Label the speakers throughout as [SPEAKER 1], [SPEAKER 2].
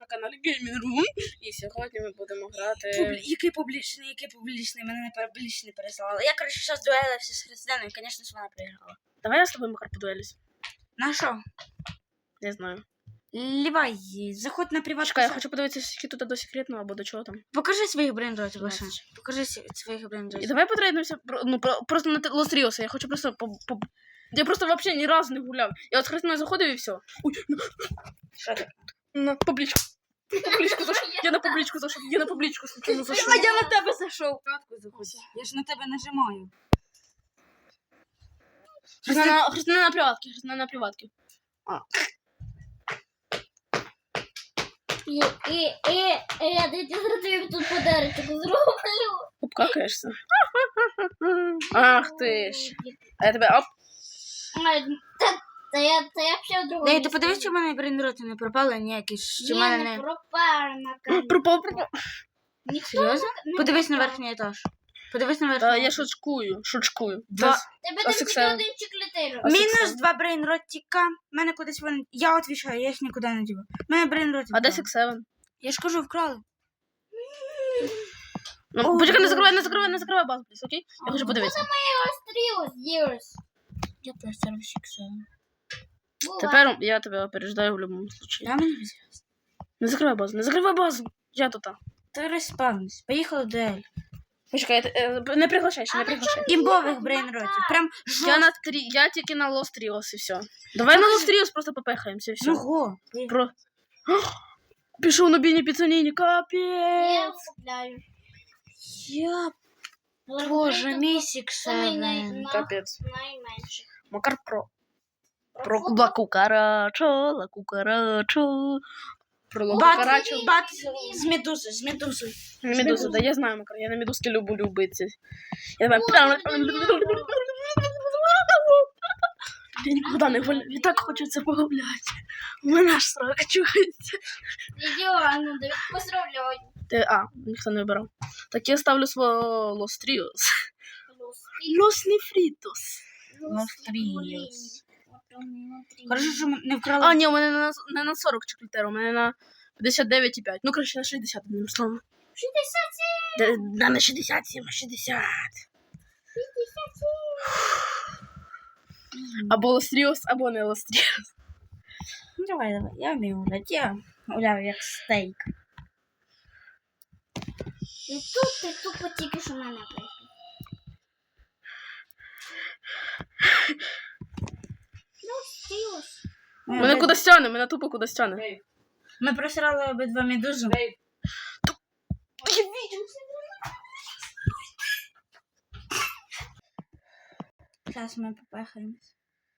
[SPEAKER 1] на каналі Gaming Room. І сьогодні ми будемо грати...
[SPEAKER 2] Який публічний, мене не публічний переслали. Я, коротше, зараз дуелився з Христиною, і, звісно, вона приграла.
[SPEAKER 1] Давай я з тобою, Макар, подуелюсь.
[SPEAKER 2] На що?
[SPEAKER 1] Не знаю.
[SPEAKER 2] Лівай, заходь на приватку.
[SPEAKER 1] Чекай, я хочу подивитися, скільки тут до секретного, або до чого там.
[SPEAKER 2] Покажи своїх брейнротів, Леша. Покажи своїх брейнротів.
[SPEAKER 1] І давай потрейдемося, просто на Лос Ріоса. Я хочу просто... Я просто вообще ні разу не гуляв. Я от з Христиною заходив і все. Ой,
[SPEAKER 2] Що ти?
[SPEAKER 1] на публічку. Публічку зайшов. Я на публічку зайшов. Я на публічку случайно зайшов.
[SPEAKER 2] А я на тебе зайшов. Я ж на тебе нажимаю.
[SPEAKER 1] Христина на приватки. Христина на приватки.
[SPEAKER 3] Я дайте зробив тут подарочок зроблю.
[SPEAKER 1] Обкакаєшся. Ах ти ж. А я тебе оп.
[SPEAKER 3] Та я ще в другому.
[SPEAKER 2] Дай, ти подивись, чи в мене брейнроти не пропали ніякі, чи в мене
[SPEAKER 3] Я
[SPEAKER 2] не...
[SPEAKER 3] не пропав на камеру.
[SPEAKER 1] Пропав.
[SPEAKER 2] Серйозно? Подивись на верхній етаж. Подивись на верхній
[SPEAKER 1] Я
[SPEAKER 2] етаж.
[SPEAKER 1] шучкую.
[SPEAKER 2] Два.
[SPEAKER 3] Тебе
[SPEAKER 1] А
[SPEAKER 3] там
[SPEAKER 1] сексуально?
[SPEAKER 3] тільки один чеклетиро.
[SPEAKER 2] Мінус 2 брейнротика. Мене кудись вони... Я відвічаю, я їх нікуди не діваю. Мене брейнроти.
[SPEAKER 1] А де Сік-7?
[SPEAKER 2] Я ж кажу, вкрали.
[SPEAKER 1] Ну, почекай, не закривай базу, пліс, окей? Я хочу подивитися.
[SPEAKER 3] Острілось,
[SPEAKER 2] Я теж це Сік-7.
[SPEAKER 1] Тепер я тебе опереждаю в будь-якому случаї.
[SPEAKER 2] Я мені візьму.
[SPEAKER 1] Не закривай базу. Я тут.
[SPEAKER 2] Ти розпавнись. Поїхали до Ель.
[SPEAKER 1] Почекай, не приглашай, ще не приглашай.
[SPEAKER 2] Імбових брейнротів. Прям
[SPEAKER 1] Я тільки на Лос Ріос і все. Давай на Лос Ріос просто попехаємося і все.
[SPEAKER 2] Ого.
[SPEAKER 1] Про... Пішов на біні піцаніні,
[SPEAKER 3] Я
[SPEAKER 1] капець.
[SPEAKER 3] купляю.
[SPEAKER 2] Я... Боже, мій Сік-7.
[SPEAKER 1] Капець.
[SPEAKER 3] Найменше.
[SPEAKER 1] Макар Про ла кукарачо, ла кукарачо. Про ла кукарачо.
[SPEAKER 2] Бат з медузою.
[SPEAKER 1] Медуза, да я знаю, Макар, я на медузки люблю любити. Я давай... Я нікуди не гуляю, і так хочеться погуляти. У мене аж срака чується.
[SPEAKER 3] Ідеально, Давид, поздравляю.
[SPEAKER 1] Ніхто не вибирав. Так я ставлю свого Лос Тріос. Лос Нефрітос.
[SPEAKER 2] Хорошо, що ми не вкрали.
[SPEAKER 1] Ні, у мене не на 40 чеклетер, у мене на 59,5. Ну, коротше, на 60, одним словом.
[SPEAKER 3] 67.
[SPEAKER 1] Да, на 67, 60. Або Лос Тріос, або не Лос Тріос.
[SPEAKER 2] Давай, я вмію гуляти. Я гуляю як стейк.
[SPEAKER 3] І тут ти тупо тільки що мене прийшов. Стілось.
[SPEAKER 1] Мене кудись тяне, мене тупо кудись тяне.
[SPEAKER 2] Ми просрали обидва медузи. Зараз ми попехаємось.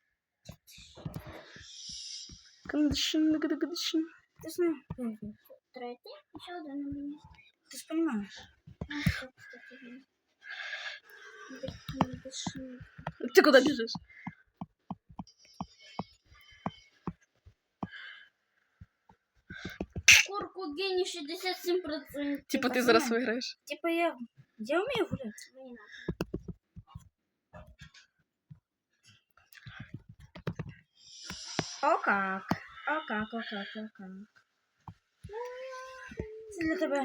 [SPEAKER 2] Ти знаєш?
[SPEAKER 3] Третє. Ще один на мені.
[SPEAKER 2] Ти ж розумієш?
[SPEAKER 1] Ти куди біжиш?
[SPEAKER 3] Курку гені 67%.
[SPEAKER 1] Типа ти зараз виграєш.
[SPEAKER 2] Типа я вмію гуляти. О как. Це для тебе.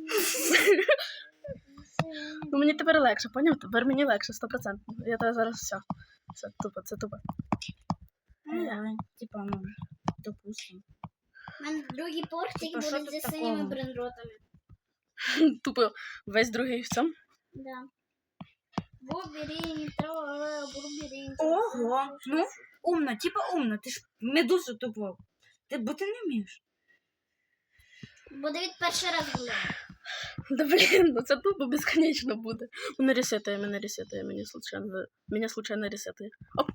[SPEAKER 1] Ну мені тепер легше, поняв? Тепер мені легше, 100%. Я тебе зараз все. Все, тупо, це тупо.
[SPEAKER 2] Ну давай. Типа, ну, допустим.
[SPEAKER 3] У мене другий портик
[SPEAKER 2] Типа, що
[SPEAKER 3] буде
[SPEAKER 2] тут
[SPEAKER 3] зі синіми
[SPEAKER 2] такого?
[SPEAKER 3] брендротами.
[SPEAKER 1] Тупо весь другий в цьому.
[SPEAKER 3] Да. Буберінь, бурберінь.
[SPEAKER 2] Ого. Ну, умно, типа умно. Ти ж медузу тупо. Бо ти не вмієш.
[SPEAKER 3] Бо Давид перший раз гуляє.
[SPEAKER 1] Да блін, ну це тупо безконечно буде. Мене ресетує, мене случайно ресетує. Оп.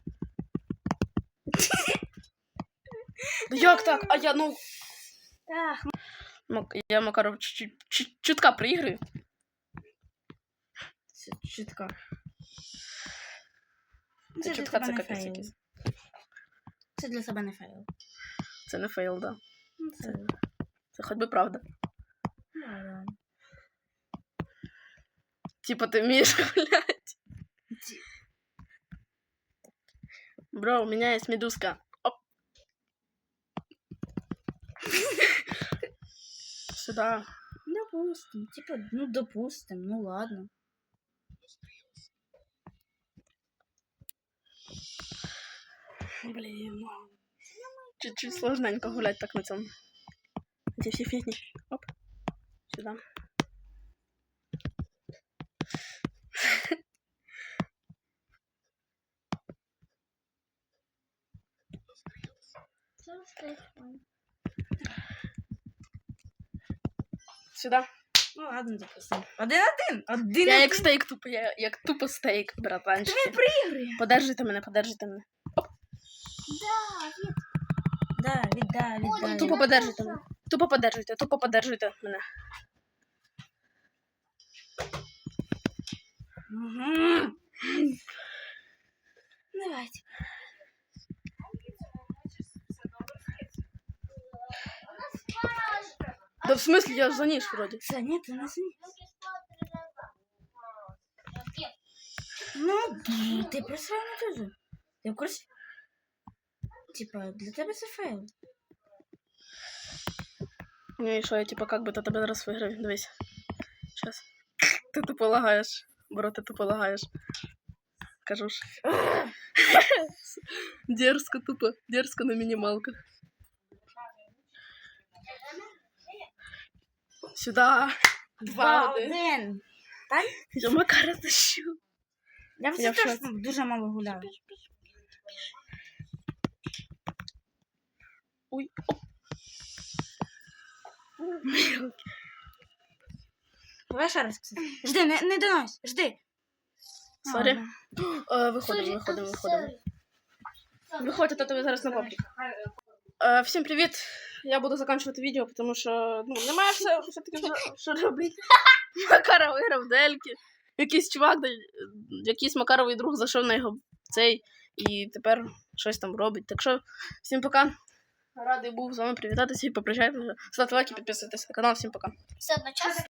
[SPEAKER 1] Ну як так? А я, ну...
[SPEAKER 2] Так.
[SPEAKER 1] Я Макаров чутка приіграю.
[SPEAKER 2] Чітко.
[SPEAKER 1] Це чутка, це капець якийсь.
[SPEAKER 2] Це для себе не фейл.
[SPEAKER 1] Це не фейл, да. Це хоч би правда.
[SPEAKER 2] Да.
[SPEAKER 1] Типа ти вмієш гуляти. Бро, у меня есть медузка. Оп. Сюда.
[SPEAKER 2] Допустим. Типа, ну, допустим, ну ладно.
[SPEAKER 1] Блин. Чуть-чуть сложненько гулять так на цьому. Эти все фигни. Оп. Сюда. Сюда.
[SPEAKER 2] Ну ладно, допустим. 1-1. 1-1.
[SPEAKER 1] Я як стейк тупо, я як тупо стейк, братанчики.
[SPEAKER 2] Він проігрує.
[SPEAKER 1] Подержите мене, подержите мене.
[SPEAKER 2] Да, віддай.
[SPEAKER 1] Тупо подержите мене. Тупо подержите мене.
[SPEAKER 2] Угу. Давайте.
[SPEAKER 1] Да в смысле, я за ніж вроді.
[SPEAKER 2] Все, ні, ти не сині. Ну, ти просрав на тоже. Ти в курсі? Типа, для тебе це фейл.
[SPEAKER 1] Ну і що, я типа как би то тебе зараз виграю. Дивись. Щас. Ти тупо лагаєш. Бро, ти тупо лагаєш. Кажу ж. Дерзко тупо. Дерзко на мінімалках. Сюда. 2-1. Я Макара тащу.
[SPEAKER 2] Я
[SPEAKER 1] Я
[SPEAKER 2] все
[SPEAKER 1] в
[SPEAKER 2] теж
[SPEAKER 1] шоці.
[SPEAKER 2] дуже мало гуляю.
[SPEAKER 1] Ой. Оп.
[SPEAKER 2] Давай ще раз, кстати. Жди, не донось, жди.
[SPEAKER 1] Сорі.
[SPEAKER 2] Ладно.
[SPEAKER 1] Виходимо. Виходь, а то тобі зараз на паблік. Всім привіт. Я буду закінчувати відео, тому що немає все-таки що робити. Макара виграв дельки. Якийсь чувак, якийсь Макаровий друг зайшов на його цей і тепер щось там робить. Так що, всім пока. Радий був з вами привітатися і попрощатися. Ставте лайки, підписуйтесь на канал. Всім пока.
[SPEAKER 3] Все одночасно.